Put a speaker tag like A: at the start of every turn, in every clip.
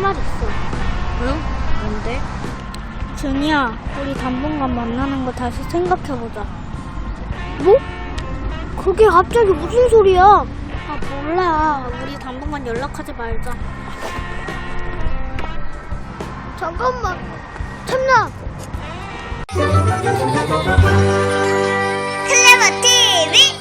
A: 말 있어.
B: 응? 뭔데?
A: 준이야, 우리 당분간 만나는 거 다시 생각해보자. 뭐? 그게 갑자기 무슨 소리야? 아, 몰라. 우리 당분간 연락하지 말자. 잠깐만. 참나.
C: 클레버 TV.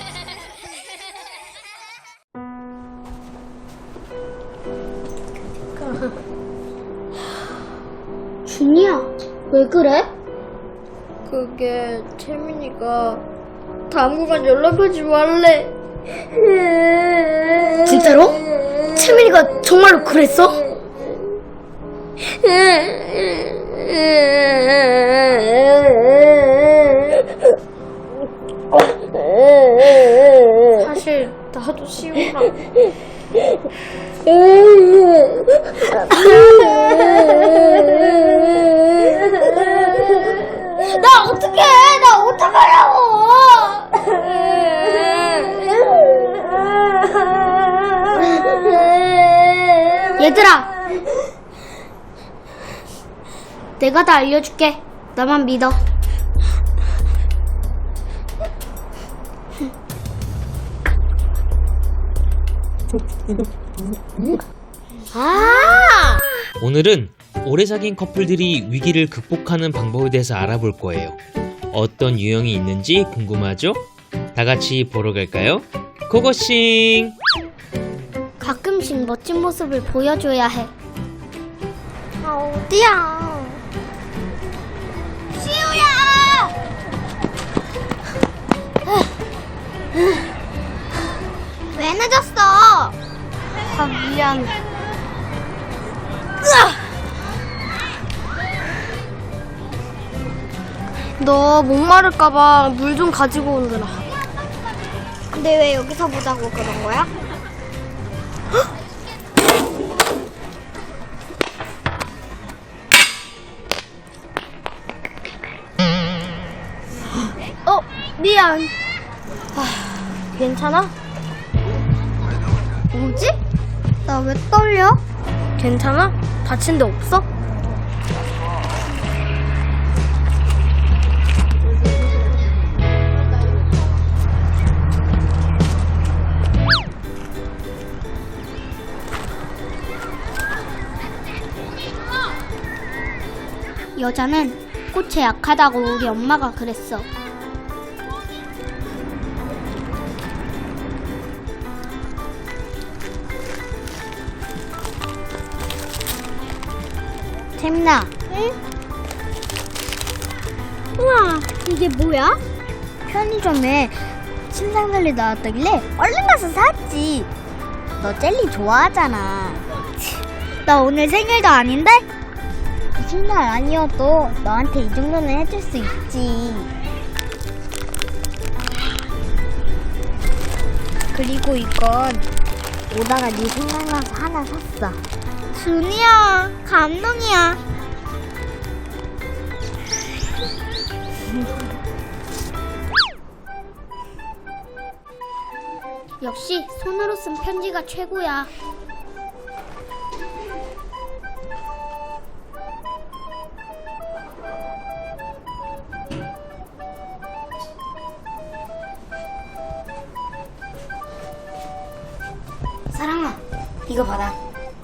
A: 준이야, 왜 그래?
B: 그게 채민이가 당분간 연락하지 말래.
A: 진짜로? 채민이가 정말로 그랬어?
B: 사실 나도 시우랑
A: 나 어떡해! 나 어떡하려고! 얘들아! 내가 다 알려줄게. 나만 믿어.
D: 오늘은 오래 사귄 커플들이 위기를 극복하는 방법에 대해서 알아볼 거예요. 어떤 유형이 있는지 궁금하죠? 다 같이 보러 갈까요? 고고싱!
A: 가끔씩 멋진 모습을 보여줘야 해. 어디야? 시우야! 왜 늦었어? 아, 미안.
B: 너 목마를까봐 물 좀 가지고 오느라.
A: 근데 왜 여기서 보자고 그런 거야? 미안.
B: 괜찮아?
A: 뭐지? 나 왜 떨려?
B: 괜찮아? 다친 데 없어?
A: 여자는 꽃에 약하다고 우리 엄마가 그랬어. 재민아. 응? 우와, 이게 뭐야? 편의점에 침상젤리 나왔다길래 얼른 가서 샀지. 너 젤리 좋아하잖아. 나 오늘 생일도 아닌데? 무슨 날 아니어도 너한테 이 정도는 해줄 수 있지. 그리고 이건 오다가 네 생각나서 하나 샀어. 준이야, 감동이야. 역시 손으로 쓴 편지가 최고야. 사랑아, 이거 받아.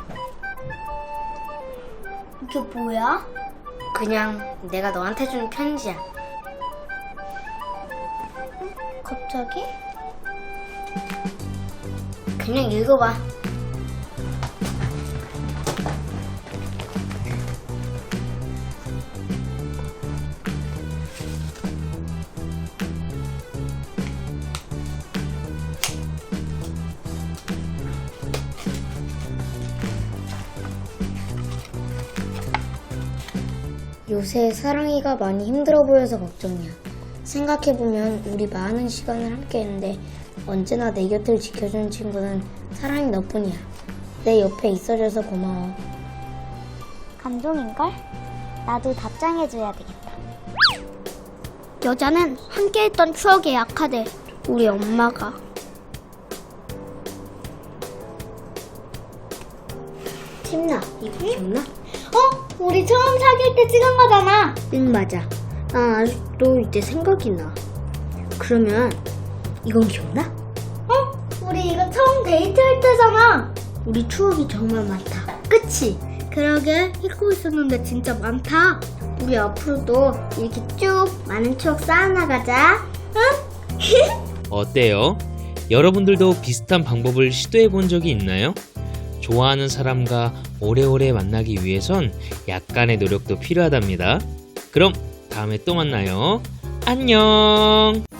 A: 이게 뭐야?
B: 그냥 내가 너한테 준 편지야.
A: 갑자기?
B: 그냥 읽어봐. 요새 사랑이가 많이 힘들어 보여서 걱정이야. 생각해보면 우리 많은 시간을 함께 했는데 언제나 내 곁을 지켜준 친구는 사랑이 너뿐이야. 내 옆에 있어줘서 고마워.
A: 감동인걸? 나도 답장해줘야 되겠다. 여자는 함께했던 추억에 약하대. 우리 엄마가.
B: 신나. 이거 기억나?
A: 우리 처음 사귈 때 찍은 거잖아.
B: 응, 맞아. 난 아직도 이때 생각이 나. 그러면 이건 기억나?
A: 우리 이거 처음 데이트할 때잖아.
B: 우리 추억이 정말 많다.
A: 그치? 그러게 잊고 있었는데 진짜 많다.
B: 우리 앞으로도 이렇게 쭉 많은 추억 쌓아나가자.
D: 어때요? 여러분들도 비슷한 방법을 시도해 본 적이 있나요? 좋아하는 사람과 오래오래 만나기 위해선 약간의 노력도 필요하답니다. 그럼 다음에 또 만나요. 안녕!